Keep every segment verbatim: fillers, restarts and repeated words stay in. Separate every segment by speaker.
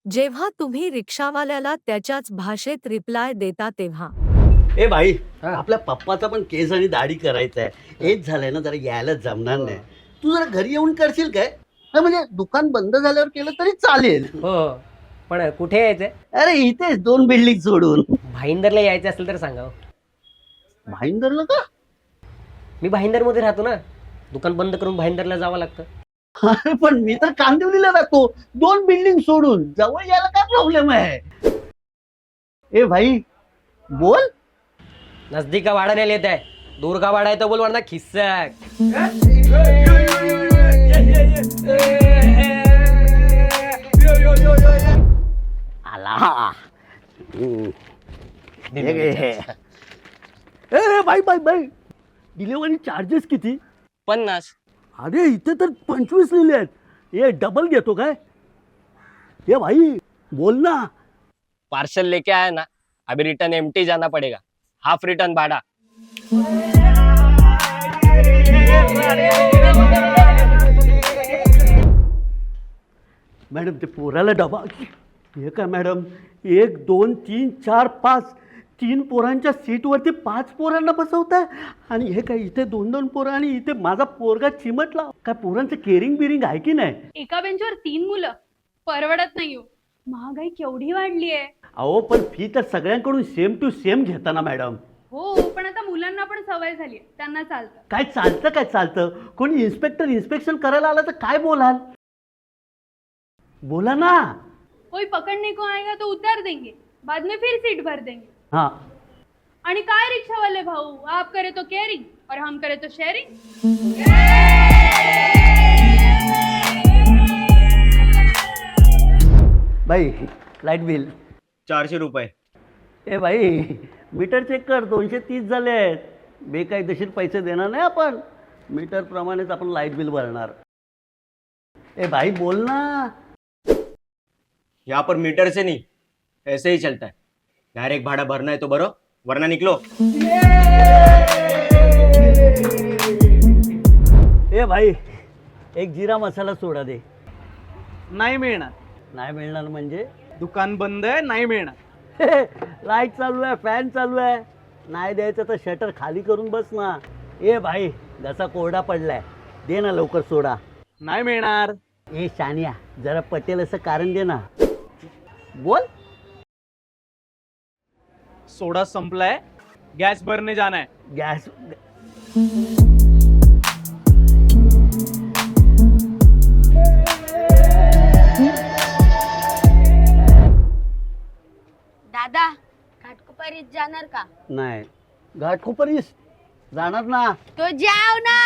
Speaker 1: जेव्हा तुम्ही रिक्षावाल्याला त्याच्याच भाषेत रिप्लाय देता तेव्हा
Speaker 2: ए भाई, आपल्या पप्पाचा पण केस आणि दाढी करायचा आहे. हेच झालंय ना, जरा यायला जमणार नाही. तू जरा घरी येऊन करशील काय? हा, म्हणजे दुकान बंद झाल्यावर केलं तरी चालेल.
Speaker 3: हो पण कुठे यायचंय?
Speaker 2: अरे इथेच दोन बिल्डिंग सोडून.
Speaker 3: भाईंदरला यायचं असेल तर सांगा.
Speaker 2: भाईंदरला का?
Speaker 3: मी भाईंदरमध्ये राहतो ना, दुकान बंद करून भाईंदरला जावं लागतं.
Speaker 2: अरे पण मी तर कांदिवलीला राहतो, दोन बिल्डिंग सोडून. जवळ यायला काय प्रॉब्लेम आहे? ए भाई बोल.
Speaker 3: नजदीक का भाड़ा नहीं लेता है, दूर का भाड़ा है तो बोल, वरना खिस्सक.
Speaker 2: आला. ए बाई बाई बाई, डिलिव्हरी चार्जेस किती?
Speaker 3: पन्नास.
Speaker 2: अरे इथे तर पंचवीस लिहिले आहेत. ये डबल घेतो काय? ये भाई बोल ना.
Speaker 3: पार्सल लेके आया ना, अभी रिटर्न एम्प्टी जाना पड़ेगा, हाफ रिटर्न भाड़ा.
Speaker 2: मॅडम ते पोराला डबा. हे काय मॅडम, एक दोन तीन चार पाच, तीन पोरांच्या सीटवरती पाच पोरांना बसवताय. आणि हे काय इथे दोन दोन पोरं आणि इथे माझा पोरगा चिमटला. काय पोरांचं केअरिंग बिरिंग आहे की नाही?
Speaker 4: एका बेंचवर तीन मुलं परवडत नाही. महागाई केवढी वाढली आहे.
Speaker 2: अहो पण फी तर सगळ्यांकडून सेम टू सेम घेताना मॅडम.
Speaker 4: हो पण आता मुलांना पण सवय झाली आहे, त्यांना चालतं.
Speaker 2: काय चालतं काय चालतं? कोणी इन्स्पेक्टर इन्स्पेक्शन करायला आलं तर काय बोलाल? बोला ना.
Speaker 4: कोई पकड़ने को आएगा तो उतार देंगे, बाद में फिर सीट भर देंगे.
Speaker 2: हाँ.
Speaker 4: आणि काय रिक्शा वाले भाऊ, आप करे तो केयरिंग और हम करे तो शेयरिंग.
Speaker 2: भाई लाईट बिल
Speaker 3: चारशे रुपये.
Speaker 2: ए भाई मीटर चेक कर, दोनशे तीस झाले आहेत. बेकायदेशीर पैसे देणार नाही आपण, मीटर प्रमाणेच आपण लाईट बिल भरणार. ए भाई बोल ना.
Speaker 5: यहाँ पर मीटर से नहीं, ऐसे ही चलता है. डायरेक्ट भाड़ा भरना है तो भरो, वरना निकलो.
Speaker 2: ए भाई एक जिरा मसाला सोडा दे.
Speaker 6: नाही मिळणार.
Speaker 2: नाही मिळणार म्हणजे?
Speaker 6: दुकान बंद आहे, नाही मिळणार.
Speaker 2: लाईट चालू आहे, फॅन चालू आहे. नाही द्यायचं तर शटर खाली करून बस ना. ए भाई जसा कोरडा पडलाय, दे ना लवकर सोडा.
Speaker 6: नाही मिळणार.
Speaker 2: ए शानिया जरा पटेल असं कारण दे ना. बोल.
Speaker 6: सोडा संपलाय, गॅस भरने जाना है.
Speaker 2: गॅस.
Speaker 7: दादा घाटकोपरीत जाणार का?
Speaker 2: नाही, घाटकोपरीस जाणार ना.
Speaker 7: तो जाव ना.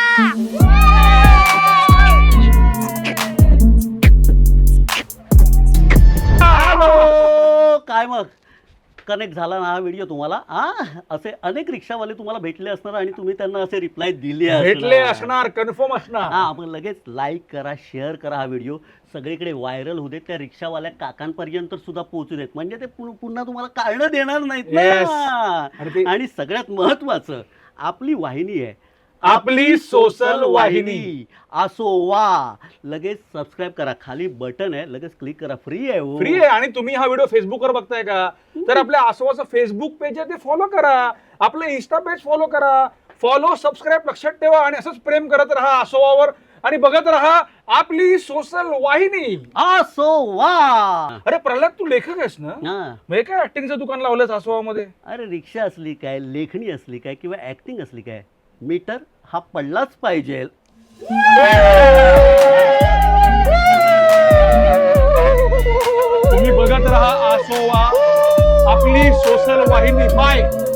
Speaker 2: हॅलो. काय मग कनेक्ट झाला ना हा व्हिडिओ तुम्हाला? हा, असे अनेक रिक्षावाले तुम्हाला भेटले असणार आणि तुम्ही त्यांना असे रिप्लाय दिले
Speaker 6: भेटले असणार, कन्फर्म असणार.
Speaker 2: हा, आपण लगेच लाईक करा, शेअर करा हा व्हिडिओ, सगळीकडे व्हायरल होऊ देत, त्या रिक्षावाल्या काकांपर्यंत सुद्धा पोहोचू देत, म्हणजे ते पुन्हा तुम्हाला काढणं देणार नाहीत ना. आणि सगळ्यात महत्वाचं, आपली वाहिनी आहे,
Speaker 6: आपली सोशल वाहिनी.
Speaker 2: असो वा. लगेच सबस्क्राईब करा, खाली बटन आहे, लगेच क्लिक करा, फ्री आहे.
Speaker 6: फ्री आहे. आणि तुम्ही हा व्हिडिओ फेसबुकवर बघताय का, तर आपल्या आसोवाचं फेसबुक पेज आहे ते फॉलो करा, आपलं इन्स्टा पेज फॉलो करा. फॉलो सबस्क्राईब लक्षात ठेवा आणि असंच प्रेम करत राहा आसोवावर आणि बघत राहा आपली सोशल वाहिनी.
Speaker 2: असो वा.
Speaker 6: अरे प्रल्हाद, तू लेखक आहेस ना?
Speaker 2: हा.
Speaker 6: म्हणजे काय ऍक्टिंगचं दुकान लावलंस आसोवामध्ये?
Speaker 2: अरे रिक्षा असली काय, लेखणी असली काय, किंवा ऍक्टिंग असली काय, मीटर हा पडलाच पाहिजे.
Speaker 6: तुम्ही बघत राहा आसोवा, आपली सोशल वाहिनी. बाय.